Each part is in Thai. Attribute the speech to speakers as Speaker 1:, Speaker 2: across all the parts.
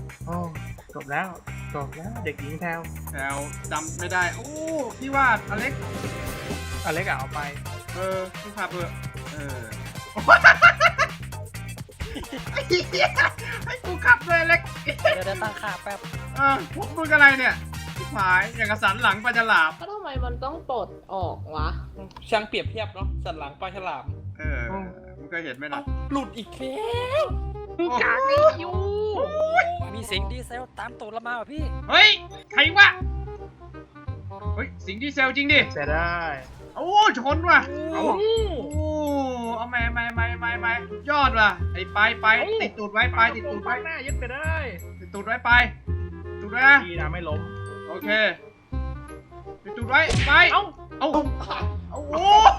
Speaker 1: โอ้จบแล้วเด็กหญิงแพลว
Speaker 2: แถวจำไม่ได้โอ้พี่ว่าอเล็ก
Speaker 1: อเล็กเอาไป
Speaker 2: พี่ขับเถอะไอ้เหี้ยให้กูขับเลยอเล็ก
Speaker 3: เดี๋ยวตั้งค่าแป๊บ
Speaker 2: พวกมึงอะไรเนี่ยหายอย่างกระสันหลังปลาฉลาม
Speaker 4: ก็ทำไมมันต้องปลดออกวะ
Speaker 3: ช่างเปรียบเทียบเนาะสันหลังปลาฉลาม
Speaker 2: มึงเคยเห็นไหมนะ
Speaker 3: หลุดอีกแล้ว
Speaker 1: กากนี่อยู่
Speaker 3: มีเสียงดีเซลตามตูดเรามาว่ะพี่
Speaker 2: เฮ้ยใครวะเฮ้ยสิงดีเซลจริงดิ
Speaker 1: เสียได้
Speaker 2: โอ้ชนว่ะ
Speaker 1: เอา
Speaker 2: เอาไม่ยอดว่ะไอ้ไปติดตูดไว้ไปติดตูดไว้
Speaker 1: หน้ายึดไปได้
Speaker 2: ติดตูดไว้ไปตูดไว้นะ
Speaker 1: ดีนะไม่ล้ม
Speaker 2: โอเคติดตูดไว้ไปเอาโอ้โห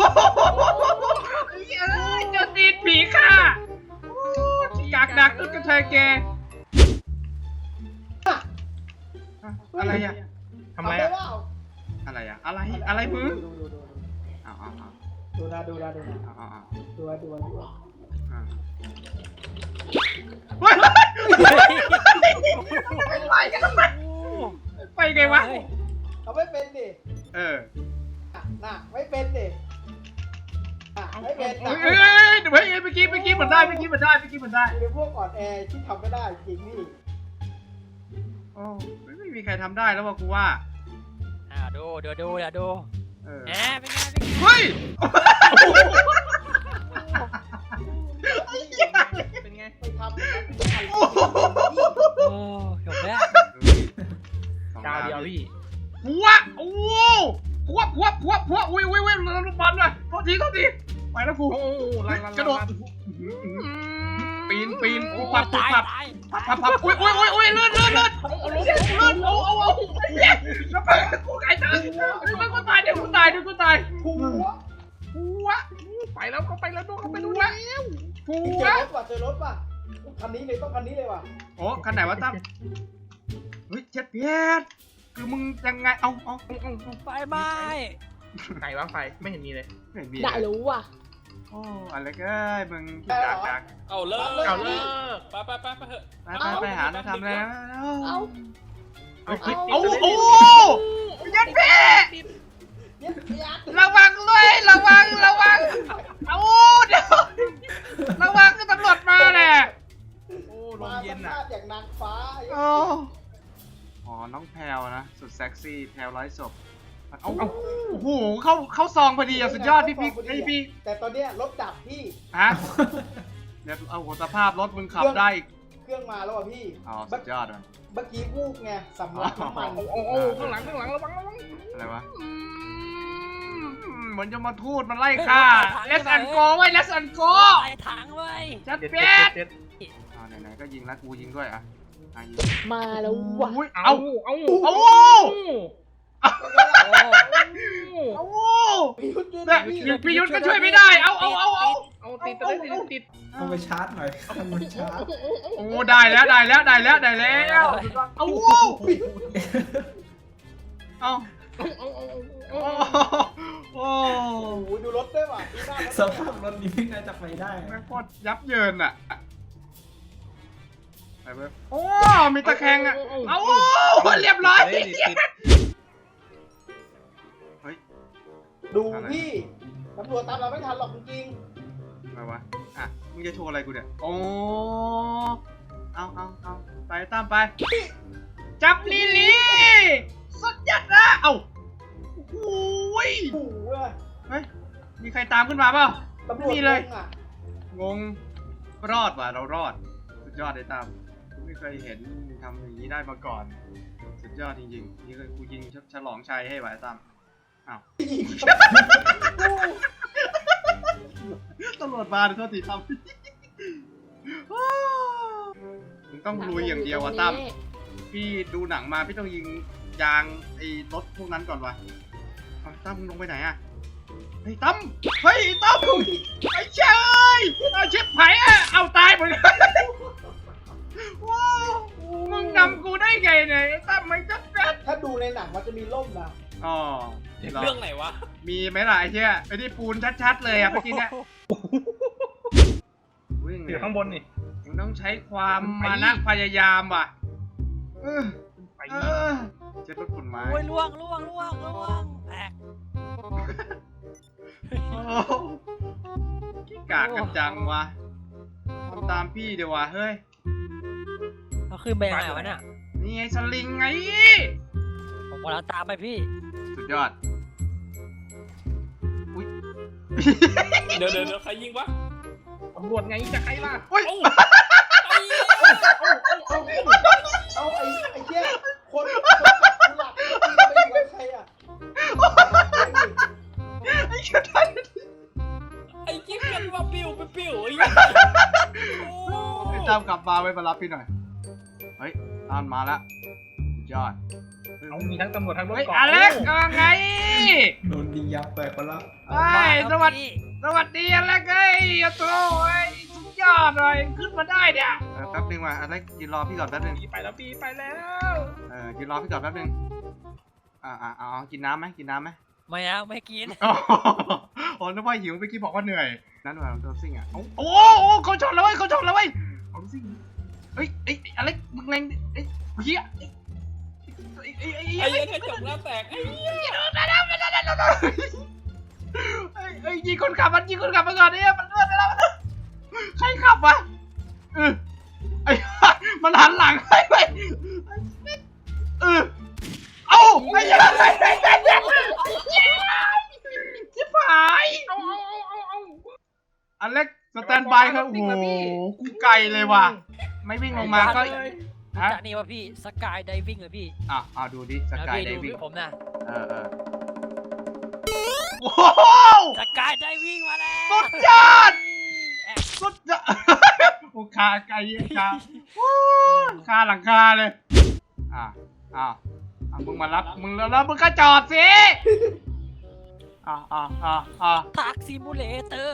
Speaker 2: เจ้าตีนผีค่ะกากดักตุ๊กตาแกอะไรอะ
Speaker 1: ทำไรอ่ะ
Speaker 2: อะไรอะอะไรมึงเอา
Speaker 5: ดูนะ
Speaker 2: เอา
Speaker 5: เฮ้ย
Speaker 2: ไปไงวะ
Speaker 5: เขาไม่เป็นดิ น่ะไม่เป็นดิไม่เป็น
Speaker 2: เมื่อกี้มันได้
Speaker 5: เป็นพวกอ่อนแอที่ทำไม่ได้จริงนี่
Speaker 2: โอ้ไม่มีใครทำได้แล้วว่ะกูว่า
Speaker 3: ดูเดี๋ยวดูแหมเป็นไง
Speaker 2: เฮ้ย
Speaker 1: เป็นไง
Speaker 5: ไม่ทำอย่างนั้น
Speaker 3: โอ้จบแล้ว
Speaker 1: ดาวเดียวพี่
Speaker 2: หัวโอ้หัวอุ้ยลูกบอลเลยโทษทีไปแล้วกู
Speaker 1: โอ้ลัน
Speaker 2: กระโดดปีนปับ
Speaker 3: ตาย
Speaker 2: พับอุ้ยเลื่อนเอาแล้วไปกูไก่ตายกูตายเดี๋ยวกูตายหัวไปแล้วเขาไปแล้วดูเขาไปดูแล้วหั
Speaker 5: เจอรถป่ะคันนี้เลยต้องคันนี้เลยว่ะ
Speaker 2: โอ้คันไหนวะตั้มเฮ้ยเจ็ดเพียรคือมึงยังไงเอา
Speaker 3: ไฟไหม้
Speaker 1: ไหนวะไฟไม่เห็นมีเลย
Speaker 2: ไม่มี
Speaker 4: ได้รู้ว่ะ
Speaker 2: โอ้อะไรเอ้ยมึงดัก
Speaker 3: เอาเลิก
Speaker 1: เอาเลิก
Speaker 3: ไปเถอะ
Speaker 2: ไปหาแล้วทำแล้ว
Speaker 4: เอา
Speaker 1: เอาคลิป
Speaker 2: โอ้โหยัดเพ่
Speaker 5: เย็ดยัด
Speaker 2: ระวังด้วยระวังเอาเดี๋ยวระวังก็ตำรวจมาแหละ
Speaker 1: โอ้ลมเย็นอ่ะ
Speaker 5: อย่างนางฟ้า
Speaker 2: อ๋อน้องแพลวนะสุดเซ็กซี่แพลวร้อยศพเอาโอ้โหเข้าซองพอดีอะสุดยอดพี่
Speaker 5: แต่ตอนเนี้ยรถดับพี่
Speaker 2: ฮะเดี๋ยวเอาสภาพรถมึงขับได้อีก
Speaker 5: เครื่องมาแล้วอ่ะพี่
Speaker 2: อ๋อสุดยอดอ่ะ
Speaker 5: เมื่อกี้วูบไงสำลักน้ำมัน
Speaker 1: โอ้ข้างหลังระวัง
Speaker 2: อะไรวะเหมือนจะมาทูดมันไล่ฆ่าเลสอันโกไว้เลสอันโก
Speaker 3: ไอ้ถังเว้ย
Speaker 2: จัด
Speaker 1: เด็ด
Speaker 2: เป็ด
Speaker 1: เด็ด
Speaker 2: ไหนๆก็ยิงแล้วกูยิงด้วยอ่ะยิง
Speaker 4: มาแล้วว่ะ
Speaker 1: เอา
Speaker 2: พี่ยุทธก็ช่วยไม่ได้เอา
Speaker 1: ติด
Speaker 6: เอาไปชาร์จหน่อยข้างบนชาร์จ
Speaker 2: โอ้ได้แล้วเอาโอ้
Speaker 5: โอ้โหดูรถด้วยว่ะ
Speaker 6: สภาพรถนี้ไม่น่าจะไปได้
Speaker 2: แม่งโคตรยับเยินอ่ะไปเว้ยโอ้มีตะแคงอ่ะเอาเรียบร้อย
Speaker 5: ดูพี่ตำรวจตามเราไม่ทันหรอกจริง
Speaker 2: อะไรวะอ่ะมึงจะโชว์อะไรกูเนี่ยโอ้เอาไปตามไปจับลิลี่สุดยอดนะเอ้าโอ้ย
Speaker 5: ๆโอ้โห
Speaker 2: เฮ้ยมีใครตามขึ้นมาเปล่า
Speaker 5: ตำรวจ
Speaker 2: มีเลย
Speaker 5: งงอ่ะ
Speaker 2: รอดว่ะเรารอดสุดยอดเลยตามไม่เคยเห็นทำอย่างนี้ได้มาก่อนสุดยอดจริงๆนี่คือกูยิงฉลองชัยให้ไว้ตามอ้าวตำรวจมาโทษทีทำมึงต้องลุยอย่างเดียวอะตั้มพี่ดูหนังมาพี่ต้องยิงยางไอ้รถพวกนั้นก่อนวะตั้มมึงลงไปไหนอะไอ้ตั้มไอ้เชยเอาชิบหายอะเอาตายหมดเลยว้าวมึงนำกูได้ไงเนี่ยไอ้ตั้มไม่จัดการ
Speaker 5: ถ้าดูในหนังมันจะมีร่มนะ
Speaker 2: อ๋อ
Speaker 3: เรื่องไหนวะ
Speaker 2: มีไหมล่ะไอ้เชี่ยไอ้ที่ปูนชัดๆเลยอะเมื่อกี้เนี่ยวิ่งเล
Speaker 1: อยู่
Speaker 2: ย
Speaker 1: ข้างบนนี่
Speaker 2: มึงต้องใช้ความมานะพยายามว่ะเออ
Speaker 1: ไป
Speaker 2: เออเช็ดรถฝุ่นไม้
Speaker 3: โอ้ยล่วงแตก
Speaker 2: โอ้ขี้กากกันจังวะทำตามพี่เดี๋ยววะเฮ้ย
Speaker 3: เอาขึ้นไปยังไงวะเนี่ย
Speaker 2: นี่ไงสลิงไง
Speaker 3: ผมกำลังตามไปพี่
Speaker 2: สุดยอด อุ้ย
Speaker 7: เดี๋ยวใครยิงวะ
Speaker 1: ตำรวจไงจะใครล่ะ
Speaker 2: อุ้ย
Speaker 5: เอาไอ้เหี้ยคนขับกูหลับไม่อยู่กับใครอ่ะ
Speaker 2: ไอ้เหี้ยทัน
Speaker 7: ไอ้กิ๊บกันว่าปิ้วไอ้
Speaker 2: ไอ้ตามกลับมาไว้มารับพี่หน่อย เฮ้ยตามมาแล้วสุดยอด
Speaker 1: เอามีทั้งตำรวจทั้งรถ
Speaker 2: เฮ้ย
Speaker 1: เกาะ
Speaker 2: อเล็กว่าไง
Speaker 6: โดนดียับแตกไปแล้ว
Speaker 2: เฮ้ยสวัสดีอเล็กเอ้ยโถ่เอ้ยสุดยอดเลยขึ้นมาได้เนี่ยแป๊บนึงว่ะอเล็กยืนรอพี่ก่อนแป๊บนึง
Speaker 1: ปีไปแล้วปีไปแล้ว
Speaker 2: ยืนรอพี่ก่อนแป๊บนึงเอากินน้ำไหม
Speaker 3: ไม่เอาไม่กิน
Speaker 2: อ๋อนึกว่าหิวเมื่อกี้บอกว่าเหนื่อยนั่นว่าโดนซิ่งอ่ะโอ้เขาชนแล้วเว้ยเอาซิ่งเฮ้ยอเล็กมึงแรงเฮีย
Speaker 7: ไอ้กระจกหน้าแตกไอ้
Speaker 2: ยิงคนขับมันก่อนเนี่ยมันเลื่อนไปแล้วใครขับวะมันหันหลังให้ไปเอ้าไอ้ยังชิบหายอเล็กสแตนบายครับโอ้โหกูไกลเลยว่ะไม่วิ่งลงมาก็ฮะ
Speaker 3: จากนี่ว่าพี่สกายไดวิ่งเลยพี่
Speaker 2: ดูดิสกายไดวิ่ง
Speaker 3: ผมนะ
Speaker 2: โอ้โห
Speaker 3: สกายไดวิ่งมาแล้ว
Speaker 2: สุดยอดโอ้คาไกลคาหลังคาเลยมึงมารับมึงแล้วมึงก็จอดสิ
Speaker 3: ทักซิมูเลเตอร์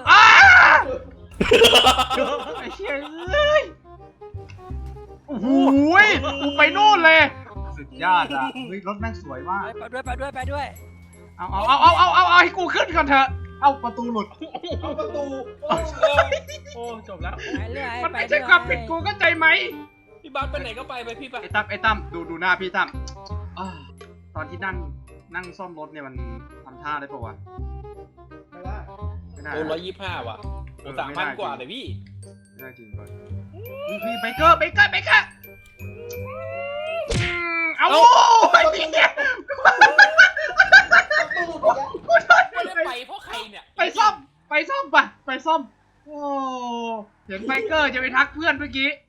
Speaker 2: ไอ้เชี่ยเอ้ยโอ้โหกูไปนู่นเลยสุดยอดอ่ะเฮ้ยรถแม่งสวยมาก
Speaker 3: ไปด้วย
Speaker 2: เอาให้กูขึ้นก่อนเถอะเอาประตูหลุด
Speaker 5: เอาประตู
Speaker 1: โอ้จบแล้ว
Speaker 3: ไปเรื่อย
Speaker 2: มันไม่ใช่ความผิดกูเข้าใจไหม
Speaker 7: พี่บาสไปไหนก็ไปพี่ไป
Speaker 2: ไอ้ตั้มดูหน้าพี่ตั้มตอนที่นั่งซ่อมรถเนี่ยมันทำท่าได้ปะวะ
Speaker 5: ไม่ได้
Speaker 2: ไม่ได้
Speaker 7: โอ้125ว่ะโอ้3,000 กว่าเลยพี่
Speaker 2: ไม่ได้จริงก่อนพี่เบเกอร์เอาไอ้เนี่ย
Speaker 7: ไม่ได้ไปเพราะใครเนี่ย
Speaker 2: ไปซ่อมโอ้เห็นไบเกอร์จะไปทักเพื่อนเมื่อกี้